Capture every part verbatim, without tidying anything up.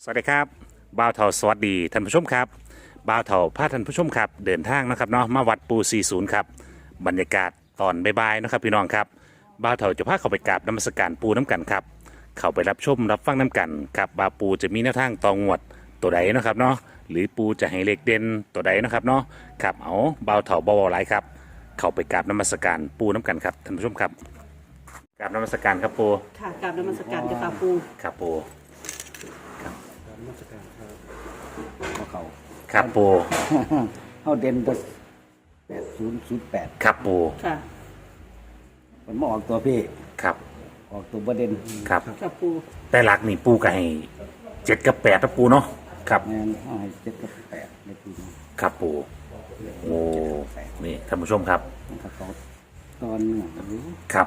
สวัสดีครับบ่าวเถาสวัสดีท่านผู้ชมครับบ่าวเถาพาท่านผู้ชมครับเดินทางนะครับเนาะมาวัดปูสี่สิบครับบรรยากาศตอนบ่ายๆนะครับพี่น้องครับบ่าวเถาจะพาเข้าไปกราบนมัสการปูน้ำกันครับเข้าไปรับชมรับฟังน้ำกันครับบ่าวปูจะมีแนวทางตองวดตัวใดนะครับเนาะหรือปูจะให้เลขเด่นตัวใดนะครับเนาะครับเอาบ่าวเถาบ่าวหลายครับเข้าไปกราบนมัสการปูน้ำกันครับท่านผู้ชมครับกราบนมัสการครับปูค่ะกราบนมัสการเจ้าค่ะปูครับปูมาสการครับมาเขาครับปูเขาเด่นตัวแปดศูนย์ศูนย์แปดครับปูค่ะมันมาออกตัวพี่ครับออกตัวประเด็นครับค่ะปูแต่หลักนี่ปูก็ให้เจ็ดกับแปดนะปูเนาะครับแมนเอาให้เจ็ดกับแปดในปีนี้ครับปูโอ้นี่ท่านผู้ชมครับมันก็เขาตอนหนึ่งครับ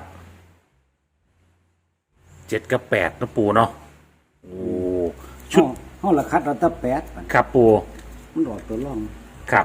เจ็ดกับแปดนะปูเนาะโอ้ชุชุดดห้องละคัดเราตั้แปดมันครับปูมันออกตัวร่องครับ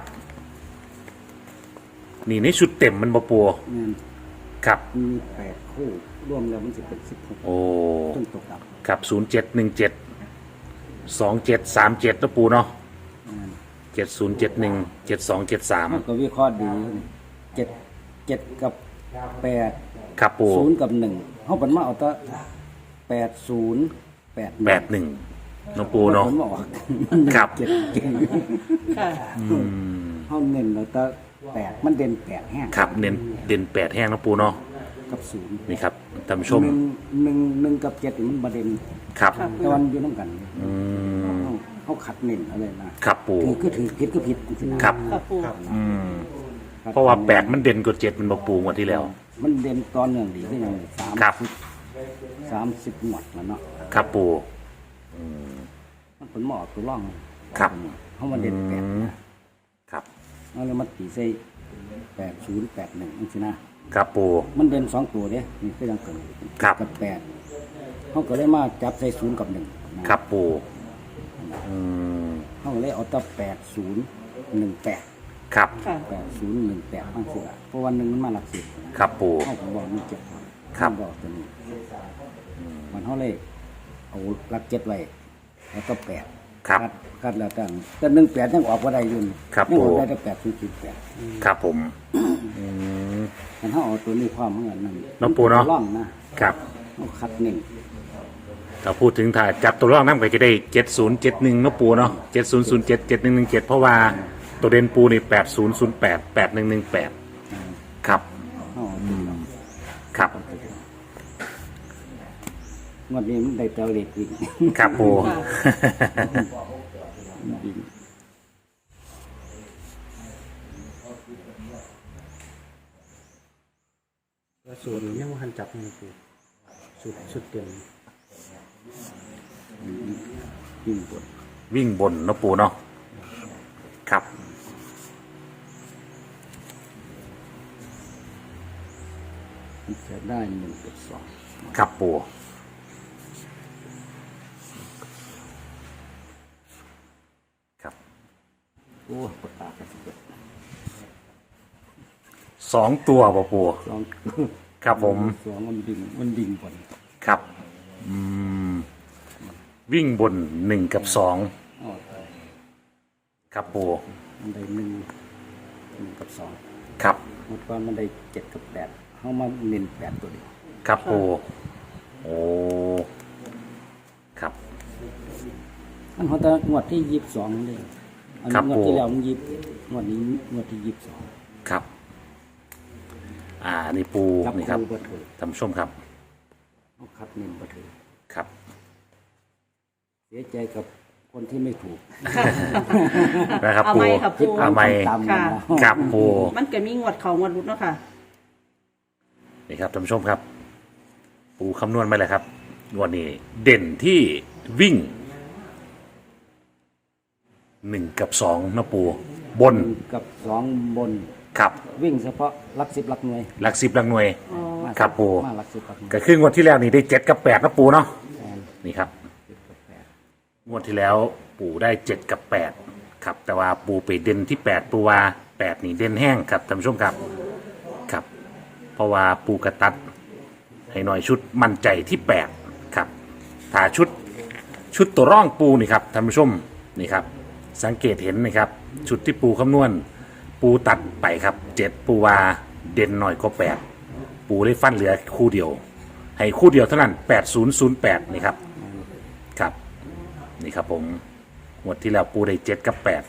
นี่ในชุดเต็มมันบ่ปูแมนครับมีแปดคู่รวมแล้วมันจะเป็นสิบหกโอ้ต้นตกดับครับศูนย์เจ็ดหนึ่งเจ็ดสองเจ็ดสามเจ็ดนะปูเนาะแมนเจ็ดศูนย์เจ็ดหนึ่งเจ็ดสองเจ็ดสามมันก็วิเคราะห์ดีเจ็ดเจ็ดกับแปดครับปูศูนย์กับหนึ่งเขาเป็นมาเอาแตั้แปดศูนย์แปดแปดหนึ่งนะปูเนาะผมบอกครับเจ็ดเก่งค่ะเขาเน้นเราแต่แปดมันเด่นแปดแห้งครับเน้นเด่นแปดแห้งนะปูเนาะกับศูนย์นี่ครับท่านผู้ชมหนึ่งหนึ่งหนึ่งกับเจ็ดนี่มันประเด็นครับแต่วันอยู่น้ำกันอืมเขาเขาขัดเน้นอะไรนะครับปูถือก็ถือผิดก็ผิดจริงๆนะครับค่ะปูอืมเพราะว่าแปดมันเด่นกว่าเจ็ดมันบอกปูงวดที่แล้วมันเด่นตอนหนึ่งดีที่ยังสามครับสิบสามสิบหมดแล้วเนาะครับปูมันเป็นหมอตัวร่องครับเขามาเด่นแปดอืมนะครับ เอาเลยมาตีใส่แปดศูนย์แปดหนึ่งนี่สินะครับปูมันเด่นสองตัวเด้นี่ก็ยังเกิดครับกับแปดเขาก็เลยมาจับใส่ศูนย์กับหนึ่งนะครับปูอืมเขาก็เลยเอาแตั้แปดศูนย์หนึ่งแปดครับค่ะแปดศูนย์หนึ่งแปดบ้างสิละเพราะวันหนึ่งมันมาหลักสิบครับปูเขาก็บอกมีเจ็ดครับเขาบอกตัวนี้มันเขาเลยเอาหลักเจ็ดไว้แล้วก็แปดครับคัดคัดแล้วกันแต่หนึ่งแปดยังออกว่าได้อยุ่นครับยังออกผมได้แต่แปดศูนย์ศูนย์แปดครับผมอืมมันเขาเอาตัวนี้ความเหมือนกันนั่นน้องปูเนาะร่องนะครับ เขาคัดหนึ่งถ้าพูดถึงถ้าจับตัวร่องน้ำก็จะได้เจ็ดศูนย์เจ็ดหนึ่งนะปูเนาะเจ็ดศูนย์ศูนย์เจ็ดเจ็ดหนึ่งหนึ่งเจ็ดเพราะว่าตัวเด่นปูนี่แปดศูนย์ศูนย์แปดแปดหนึ่งหนึ่งแปดครับเขาเอาตัวนี้ครับงวดนี้มันได้เตาเหล็กวิ่งครับปูค่ะวิ่งสูตรยังไม่ทันจับเลยคือสูตรสุดเต็มวิ่งบนวิ่งบนนะปูเนาะครับมันจะได้หนึ่งกับสองครับปู ครับโอ้ปากกากันสิบเอ็ดสองตัวป่ะปูสองครับผมสองมันดิ่งมันดิ่งบนครับอืมวิ่งบนหนึ่งกับสองอ๋อครับปูมันได้หนึ่งหนึ่งกับสองครับเมื่อก่อนมันได้เจ็ดกับแปดเขามาเน้นแปดตัวเดียวครับปูโอ้ครับอันเขาจะงวดที่ยี่สิบสองเลยอันครันี้บงวดที่ผมแล้วมันยี่สิบงวดนี้งวดที่ยี่สิบสองครับ อ่านี่ปูจับนี่ครับคู่บัตรท่านผู้ชมครับเขาคัดเน้นบัตรครับเสียใจกับคนที่ไม่ถูกนะครับเอาปูไหมค่ะปูเอาไหมตามๆกันค่ะเนาะครับปูมันก็มีงวดเขางวดรุดเนาะค่ะนี่ครับท่านผู้ชมครับ ปูคำนวณมาเลยครับงวดนี้เด่นที่วิ่งหนึ่งกับสองนะปูบนหนึ่งกับสองบนครับวิ่งเฉพาะหลักสิบหลักหน่วยหลักสิบหลักหน่วยอ๋อมาครับปูมาหลักสิบหลักหน่วยก็คืองวดที่แล้วนี่ได้เจ็ดกับแปดนะปูเนาะแทนนี่ครับสิบกับแปดงวดที่แล้วปู่ได้เจ็ดกับแปดครับ แต่ว่าปู่ไปเด่นที่แปดปูว่าแปดนี่เด่นแห้งครับท่านผู้ชมครับครับ เพราะว่าปูกระตัด ให้หน่อยชุดมั่นใจที่แปดครับถ้าชุดชุดตัวร่องปูนี่ครับท่านผู้ชมนี่ครับสังเกตเห็นนะครับชุดที่ปูคำนวณปูตัดไปครับเจ็ดปูวาเด่นหน่อยก็แปดปูเลยฟันเหลือคู่เดียวให้คู่เดียวเท่านั้นแปดศูนย์ศูนย์แปดนี่ครับครับนี่ครับผมงวดที่แล้วปูได้เจ็ดกับแปด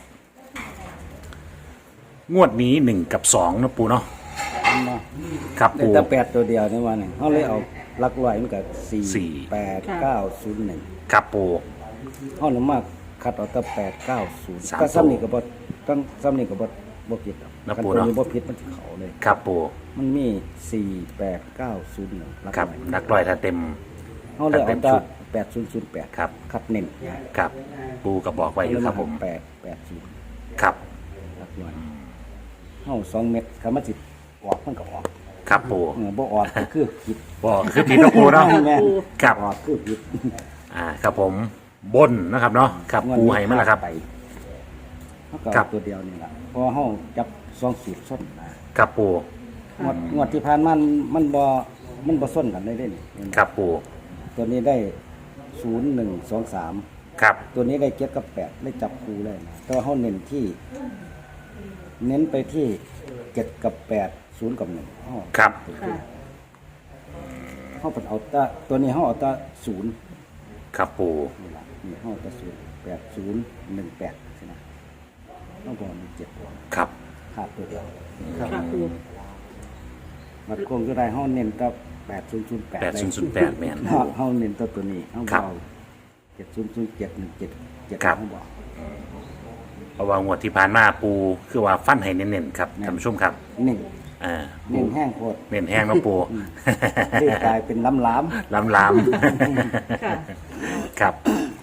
งวดนี้หนึ่งกับสองนะปูเนาะมันมาครับได้ปูแต่แปดตัวเดียวในวันนี้เขาเลยเอาหลักร้อยมันก็สี่สี่แปดเก้าศูนย์หนึ่งครับปูเขาหนูมากคัดเอาแต่แปดเก้าศูนย์สามก็ตัวซ้ำนี่ก็บ่ต้องซ้ำนี่ก็บ่บ่ผิดหรอกนะคันปู่ตัวเนาะนี้บ่ผิดมันสิเขาเลยครับปูมันมีสี่แปดเก้าศูนย์หนึ่งหลักครับร้อยนักร้อยถ้าเต็มเขาเลยถ้าเต็เอามแต่ชุดแปดศูนย์ศูนย์แปดครับคัดเน้นครับปูก็บอกไว้อยู่ครับผมแปดแปดศูนย์ครับหลักร้อยเขาสองเม็ดคำว่าจิตออกมันก็ออกครับปูเออบ่ออกก็คือผิดบอกคือพี่นกปูเนาะแม่ครับออกคือผิดอ่าครับผมบนนะครับเนาะครับปูให้มาแล้วครับไปเขาก็ครัเอาบตัวเดียวนี่แหละเพราะเขาจับสองสูตรส้นนะครับปูงวดงวดที่ผ่านมันมันบ่มันบ่ส้นกันได้เด้นี่ครับปูตัวนี้ได้ศูนย์หนึ่งสองสามครับตัวนี้ได้เจ็ดกับแปดได้จับคูเลยนะแต่ว่าเขาเน้นที่ เน้นไปที่เจ็ดกับแปดศูนย์กับหนึ่งเขาครับค่ะเขาเป็นเอาแตาตัวนี้เขาเอาแตาศูนย์ครับปูนี่ละนี่เขาเอาแตาศูนย์แปดศูนย์หนึ่งแปดใช่ไหมเขาบอกมีเจ็ดตัวครับขาดตัวเดียวค่ะปูมัดโคงก็ได้เขาเน้นแตาแปดศูนย์ศูนย์แปดแปดศูนย์ศูนย์แปดแมนเขาเขาเน้นแตาตัวนี้เขาครับเบาเจ็ดศูนย์ศูนย์เจ็ดหนึ่งเจ็ดเจ็ดครับเขาบอกเพราะว่างวดที่ผ่านมาปูคือว่าฟันให้เน้นๆครับท่านผู้ชมครับหนึ่งอ่าเน้นแห้งโคตรเน้นแห้งเนาะปูเรียกกลายเป็นล้ำล้ล้ำล้ำค่ะครับ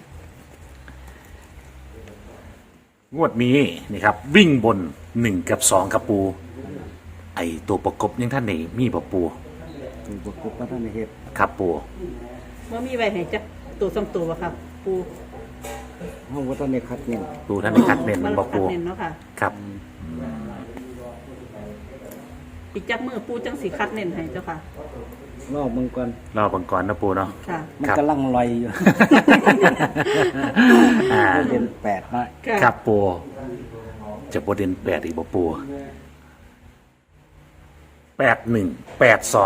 งวดนี้นี่ครับ วิ่งบนหนึ่งกับสองครับปู ไอตัวประกบยังท่านไหนมีบ่ปูำถูกบกบพระท่านในเหตุครับปูว่ามีไว้ให้จักตัวสองตัวบ่ครับปูห้องวัฒนในคัดเน้นปูท่านได้คัดเน้นมันบ่คัปูดเน้นเนาะค่ะครับอีกจักมือปูจังสีคัดเน้นให้เจ้าค่ะรอบมึงก่อนรอบังกรนะปูเนาะค่ะมันครับกำลังลอยอยู่อ่าเป็นแปดนะค่ะครับปูจะประเด็นแปดอีกบ่ปูแปดหนึ่งแปดสอง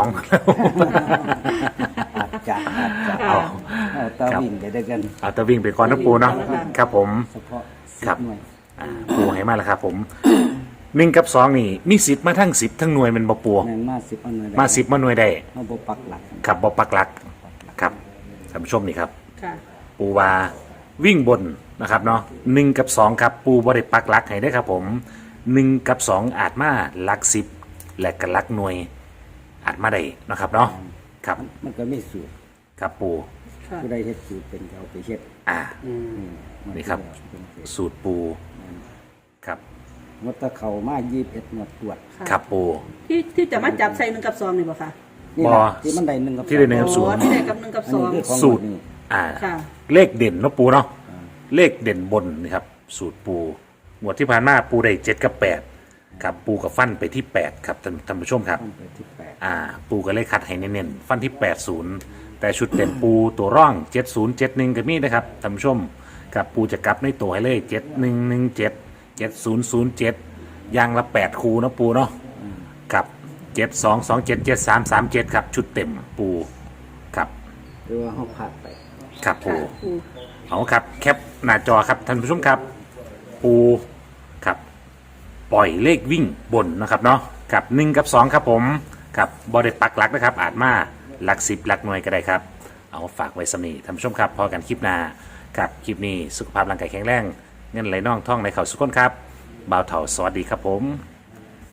อาจจะอาจจะเอาเอาตาวิ่งไปด้วยกันเอาแตะวิ่งไปก่อนนะปูเนาะครับผมเฉพาะสิบครับหน่วยอ่าปูให้มาแล้วครับผมหนึ่งกับสองนี่มีสิบมาทั้งสิบทั้งหน่วยเป็นบ่ปูแม่นมาสิบเอาหน่วยได้มาสิบมาหน่วยได้เอาบปักหลักครับบ่ปักหลักครับท่านผู้ชมนี่ครับค่ะปูวาวิ่งบนนะครับเนาะหนึ่งกับสองครับปูบริปักหลักให้ได้ครับผมหนึ่งกับสองอาจมาหลักสิบและกับหลักหน่วย อาจมาได้นะครับเนาะครับมันก็มีสูตรครับปูค่ะผู้ใดเฮ็ดสูตรเป็นก็เอาไปเฮ็ดอ่าอืมมันี่ครับเป็นเฮ็ดสูตรปูครับงดแตะเข่ามายี่สิบเอ็ดงวดตรวจค่ะครับปูที่ที่จะมาจับใส่หนึ่งกับสองนี่บ่ค่ะนี่บ่แหละที่มันได้หนึ่งกับที่ได้หนึ่งกับ ศูโอ้นย์ที่ได้กับหนึ่งกับอันสอนี้งคือของสูตรงวดนี้อ่าค่ะเลขเด่นเนาะปูเนาะเลขเด่นบนนี่ครับสูตรปูงวดที่ผ่านมาปูได้เจ็ดกับแปดครับปูกับฟันไปที่แปดครับท่านท่านผู้ชมครับต้องไปที่แปดอ่าปูก็เลยคัดให้เน้นๆฟันที่แปดศูนย์แต่ชุดเด่นปูตัวร่องเจ็ดศูนย์เจ็ดหนึ่งก็มีนะครับท่านผู้ชมกับปูจะกลับในตัวให้เลยเจ็ดหนึ่งหนึ่งเจ็ดเจ็ดศูนย์ศูนย์เจ็ดยางละแปดคูเนาะปูเนาะกับเจ็ดสองสองเจ็ดเจ็ดสามสามเจ็ดครับชุดเต็มปูครับหรือว่าเขาผ่านไปครับปูค่ะปูเอาครับแคปหน้าจอครับท่านผู้ชมครับ ปูครับปล่อยเลขวิ่งบนนะครับเนาะกับหนึ่งกับสองครับผมกับบริปักหลักนะครับ อาจมาหลักสิบหลักหน่วยก็ได้ครับ เอาฝากไว้สำนีท่านผู้ชมครับพอกันคลิปหน้ากับคลิปนี้สุขภาพร่างกายแข็งแรงเงินไหลน่องท่องในเข่าสุขคนครับบ่าวเถ่าสวัสดีครับผม